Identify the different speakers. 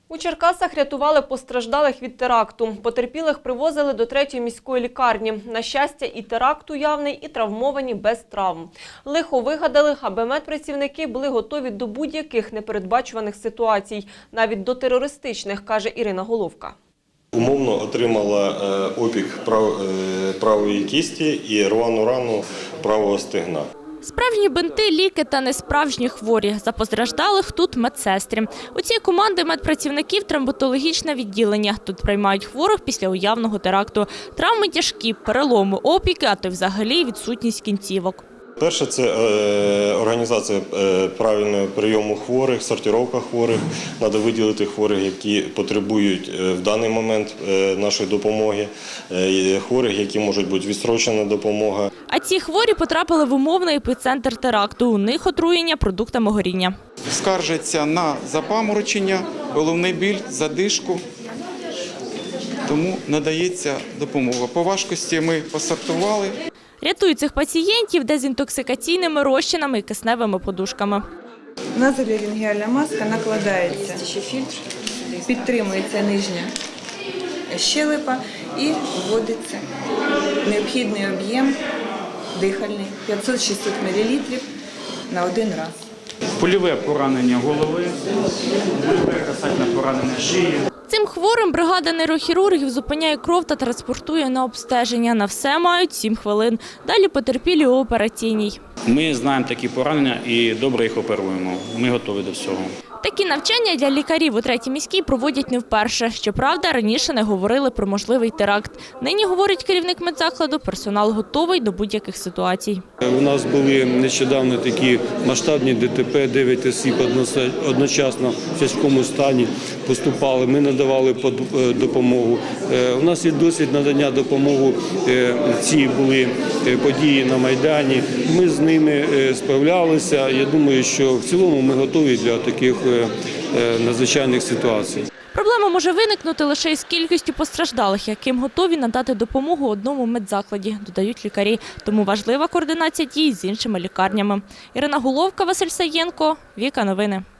Speaker 1: У Черкасах рятували постраждалих від теракту. Потерпілих привозили до 3-ї міської лікарні. На щастя, і теракт уявний, і травмовані без травм. Лихо вигадали, аби медпрацівники були готові до будь-яких непередбачуваних ситуацій, навіть до терористичних, каже Ірина Головка.
Speaker 2: Умовно отримала опік правої кісті і рвану рану правого стегна.
Speaker 3: Справжні бинти, ліки та несправжні хворі. За постраждалих тут медсестри. У цій команди медпрацівників травматологічне відділення. Тут приймають хворих після уявного теракту. Травми тяжкі, переломи, опіки, а то й взагалі відсутність кінцівок.
Speaker 2: Перше – це організація правильного прийому хворих, сортировка хворих. Треба виділити хворих, які потребують в даний момент нашої допомоги, хворих, які можуть бути відстрочена допомога.
Speaker 3: А ці хворі потрапили в умовний епіцентр теракту. У них отруєння продуктами горіння.
Speaker 4: Скаржаться на запаморочення, головний біль, задишку, тому надається допомога. По важкості ми посортували.
Speaker 3: Рятують цих пацієнтів дезінтоксикаційними розчинами і кисневими подушками.
Speaker 5: Назоларингеальна маска накладається, підтримується нижня щелепа і вводиться необхідний об'єм дихальний 500-600 мл на один раз.
Speaker 6: Польове поранення голови, польове касательне поранення шиї.
Speaker 3: Цим хворим бригада нейрохірургів зупиняє кров та транспортує на обстеження. На все мають 7 хвилин. Далі потерпілі у операційній.
Speaker 6: Ми знаємо такі поранення і добре їх оперуємо. Ми готові до всього.
Speaker 3: Такі навчання для лікарів у 3-й міській проводять не вперше. Щоправда, раніше не говорили про можливий теракт. Нині, говорить керівник медзакладу, персонал готовий до будь-яких ситуацій.
Speaker 7: У нас були нещодавно такі масштабні ДТП, 9 осіб одночасно в тяжкому стані поступали. Ми надавали допомогу. У нас є досвід надання допомоги. Ці були події на Майдані. Ми з ними справлялися. Я думаю, що в цілому ми готові для таких надзвичайних ситуацій.
Speaker 3: Проблема може виникнути лише із кількістю постраждалих, яким готові надати допомогу одному медзакладі, додають лікарі. Тому важлива координація дій з іншими лікарнями. Ірина Головка, Василь Саєнко, Віка Новини.